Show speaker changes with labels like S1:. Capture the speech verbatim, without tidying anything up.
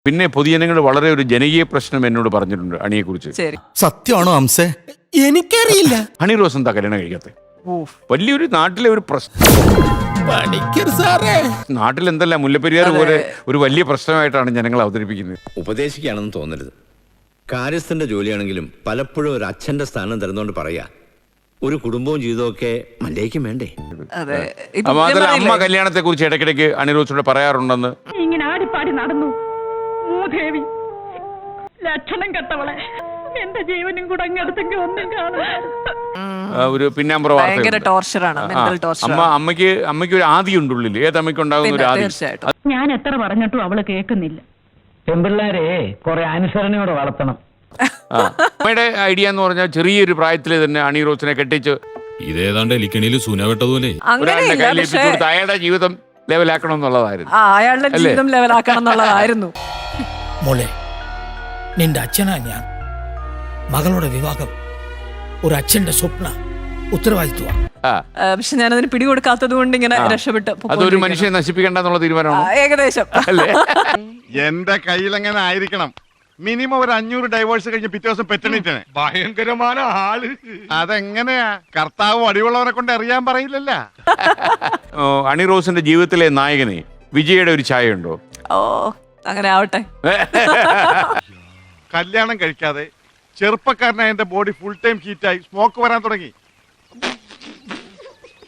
S1: പിന്നെ പൊതുജനങ്ങൾ വളരെ ഒരു ജനകീയ പ്രശ്നം എന്നോട് പറഞ്ഞിട്ടുണ്ട് അണിയെ കുറിച്ച്.
S2: സത്യമാണോ അംസേ? എനിക്കറിയില്ല.
S1: ഹണി റോസ് എന്താ കല്യാണം കഴിക്കാത്തെ? വലിയൊരു നാട്ടിലെ ഒരു പ്രശ്നം. നാട്ടിൽ എന്തല്ല മുല്ലപ്പെരിയാർ പോലെ ഒരു വലിയ പ്രശ്നമായിട്ടാണ് ജനങ്ങൾ അവതരിപ്പിക്കുന്നത്.
S3: ഉപദേശിക്കുകയാണെന്ന് തോന്നരുത്. കാര്യസ്ഥന്റെ ജോലിയാണെങ്കിലും പലപ്പോഴും ഒരു അച്ഛന്റെ സ്ഥാനം തരുന്നോണ്ട് പറയാ, ഒരു കുടുംബവും ജീവിതമൊക്കെ മല്ലേക്കും വേണ്ടേ.
S1: മാത്രമല്ല അമ്മ കല്യാണത്തെ കുറിച്ച് ഇടയ്ക്കിടയ്ക്ക് അണിറോസിനോട് പറയാറുണ്ടെന്ന്.
S4: ഇങ്ങനെ ആടിപ്പാടി നടന്നു മൂദേവി, ലക്ഷണം കെട്ടവളെ, എന്റെ ജീവനും കൂടെ അങ്ങെടുത്തെങ്കിൽ ഒന്നും
S1: ഒരു പിന്നാമ്പുറ അമ്മ അമ്മയ്ക്ക് അമ്മയ്ക്ക് ഒരു ആദി ഉണ്ട് ഉള്ളിൽ. ഏത് അമ്മയ്ക്ക് ഉണ്ടാകുന്ന ഒരു ആദി.
S4: ഞാൻ എത്ര പറഞ്ഞിട്ടും അവള് കേൾക്കുന്നില്ല.
S5: പെൺപിള്ളേരെ കുറെ അനുസരണയോടെ വളർത്തണം.
S1: അമ്മയുടെ ഐഡിയ എന്ന് പറഞ്ഞാൽ ചെറിയൊരു പ്രായത്തിൽ തന്നെ അണി റോസിനെ കെട്ടിച്ച്
S6: ഇതേതാണ്ട് എലിക്കണിയിൽ സൂനവെട്ടതുപോലെ
S1: അയാളുടെ ജീവിതം ലെവലാക്കണം എന്നുള്ളതായിരുന്നു.
S7: അയാളുടെ ജീവിതം ലെവലാക്കണം എന്നുള്ളതായിരുന്നു.
S8: മോളെ, നിന്റെ അച്ഛനാ ഞാൻ. മകളുടെ വിവാഹം ഒരു അച്ഛന്റെ സ്വപ്ന ഉത്തരവാദിത്വമാണ്.
S7: പക്ഷെ ഞാനതിന് പിടികൊടുക്കാത്തത് കൊണ്ട് ഇങ്ങനെ രക്ഷപ്പെട്ടു.
S1: അതൊരു മനുഷ്യനെ നശിപ്പിക്കേണ്ടെന്നുള്ള തീരുമാനമാണ്
S7: ഏകദേശം.
S9: എന്റെ കയ്യിൽ എങ്ങനെ ആയിരിക്കണം. മിനിമം ഒരു അഞ്ഞൂറ് ഡൈവേഴ്സ് കഴിഞ്ഞ് പിറ്റേ ദിവസം പെറ്റണിട്ടാണ്. ഭയങ്കരമായ ആള്. അതെങ്ങനെയാ? കർത്താവ് അടിവുള്ളവരെ കൊണ്ട് അറിയാൻ പറയില്ലല്ല.
S1: അണി റോസിന്റെ ജീവിതത്തിലെ നായകനെ വിജയുടെ ഒരു ഛായ ഉണ്ടോ?
S7: ഓ, അങ്ങനെ ആവട്ടെ.
S9: കല്യാണം കഴിക്കാതെ ചെറുപ്പക്കാരനായ എന്റെ ബോഡി ഫുൾ ടൈം ഹീറ്റായി സ്മോക്ക് വരാൻ തുടങ്ങി.